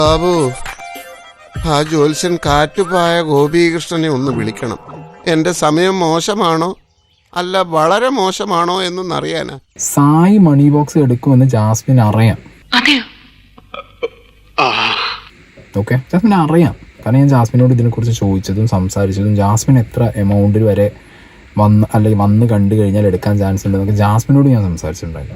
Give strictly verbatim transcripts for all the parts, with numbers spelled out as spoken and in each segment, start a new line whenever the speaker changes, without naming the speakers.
ബാബു, ആ ജ്യോത്സ്യൻ കാറ്റുപായ ഗോപീകൃഷ്ണനെ ഒന്ന് വിളിക്കണം. എന്റെ സമയം മോശമാണോ അല്ല വളരെ മോശമാണോ എന്നൊന്നറിയാനാ.
സായി മണി ബോക്സ് എടുക്കുമെന്ന് ജാസ്മിൻ അറിയാം. ഓക്കെ, ജാസ്മിൻ അറിയാം. കാരണം ഞാൻ ജാസ്മിനോട് ഇതിനെക്കുറിച്ച് ചോദിച്ചതും സംസാരിച്ചതും ജാസ്മിൻ എത്ര എമൗണ്ടിൽ വരെ വന്ന് അല്ലെങ്കിൽ വന്ന് കണ്ടു കഴിഞ്ഞാൽ എടുക്കാൻ ചാൻസ് ഉണ്ടെന്നൊക്കെ ജാസ്മിനോട് ഞാൻ സംസാരിച്ചിട്ടുണ്ടായിരുന്നു.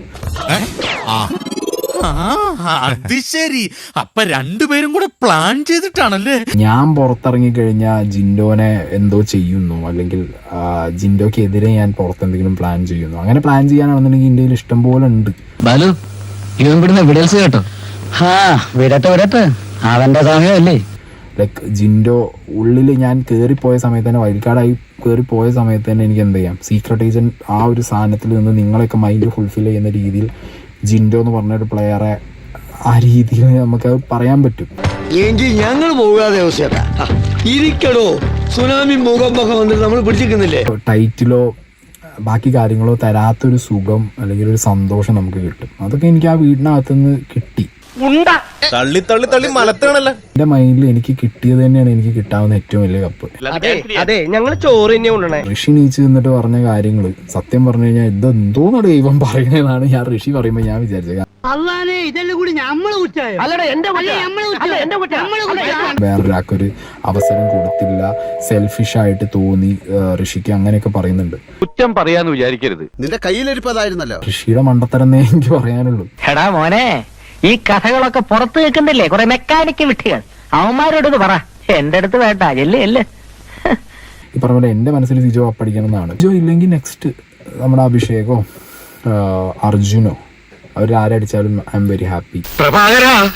അത് ശരി, അപ്പൊ രണ്ടുപേരും കൂടെ പ്ലാൻ ചെയ്തിട്ടാണല്ലേ?
ഞാൻ പുറത്തിറങ്ങി കഴിഞ്ഞാൽ ജിൻഡോനെ എന്തോ ചെയ്യുന്നു, അല്ലെങ്കിൽ ജിൻഡോക്ക് എതിരെ ഞാൻ പുറത്തെന്തെങ്കിലും പ്ലാൻ ചെയ്യുന്നു. അങ്ങനെ പ്ലാൻ ചെയ്യാനാണെന്നുണ്ടെങ്കിൽ ഇന്ത്യയിൽ ഇഷ്ടം പോലെ ഉണ്ട്.
ബാലു, ഇവൻ വിടുന്ന വിടൽസ് കേട്ടോ. ഹാ, വിടട്ടെ വിടട്ടെ, അവന്റെ സമയമല്ലേ.
ലൈക്ക് ജിൻഡോ ഉള്ളിൽ ഞാൻ കയറിപ്പോയ സമയത്ത് തന്നെ, വൈൽഡ്കാർഡായി കയറിപ്പോയ സമയത്ത് തന്നെ എനിക്ക് എന്ത് ചെയ്യാം, സീക്രട്ട് ഏജന്റ് ആ ഒരു സാധനത്തിൽ നിന്ന് നിങ്ങളെയൊക്കെ മൈൻഡ് ഫുൾഫിൽ ചെയ്യുന്ന രീതിയിൽ ജിൻഡോ എന്ന് പറഞ്ഞൊരു പ്ലെയറെ ആ രീതിയിൽ നമുക്ക് പറയാൻ പറ്റും.
എങ്കിൽ ഞങ്ങൾ പോകാതെ ഇരിക്കടോ, സുനാമി മുഖമൊക്കെ വന്നിട്ട് നമ്മൾ പിടിച്ചിരിക്കുന്നില്ലേ.
ടൈറ്റിലോ ബാക്കി കാര്യങ്ങളോ തരാത്തൊരു സുഖം അല്ലെങ്കിൽ ഒരു സന്തോഷം നമുക്ക് കിട്ടും. അതൊക്കെ എനിക്ക് ആ വീടിനകത്തുനിന്ന് കിട്ടി.
തള്ളി തള്ളി തള്ളി മലത്താണല്ലോ.
എന്റെ മൈൻഡിൽ എനിക്ക് കിട്ടിയത് തന്നെയാണ് എനിക്ക് കിട്ടാവുന്ന ഏറ്റവും വലിയ കപ്പ്.
അതെ, ഞങ്ങൾ ചോറ് തന്നെ കൊണ്ടുവന്നേ.
ഋഷി നീച്ച് നിന്നിട്ട് പറഞ്ഞ കാര്യങ്ങള് സത്യം പറഞ്ഞു കഴിഞ്ഞാൽ ഇതെന്തോന്ന് ദൈവം പറയുന്നതാണ് ഞാൻ ഋഷി പറയുമ്പോ ഞാൻ വിചാരിച്ചത്. വേറൊരാൾക്കൊരു അവസരം കൊടുത്തില്ല, സെൽഫിഷ് ആയിട്ട് തോന്നി ഋഷിക്ക്, അങ്ങനെയൊക്കെ പറയുന്നുണ്ട്.
കുറ്റം പറയാന്ന് വിചാരിക്കരുത്,
നിന്റെ കയ്യിലിരിപ്പതായിരുന്നല്ലോ.
ഋഷിയുടെ മണ്ടത്തരന്നേ എനിക്ക് പറയാനുള്ളൂ.
എടാ മോനെ, ഈ കഥകളൊക്കെ പുറത്തു വെക്കുന്നില്ലേ കുറെ മെക്കാനിക്ക് വിട്ടുകൾ, അവന്മാരോടൊന്ന് പറ. എന്റെ അടുത്ത് വേണ്ട, എല്ലേ എല്ലേ.
ഈ പറഞ്ഞ പോലെ എന്റെ മനസ്സിൽ സിജോ അപ്പടിക്കണം എന്നാണ്. സിജോ ഇല്ലെങ്കിൽ നെക്സ്റ്റ് നമ്മുടെ അഭിഷേകോ അർജുനോ അവരാരടിച്ചാലും ഐ എം വെരി ഹാപ്പി.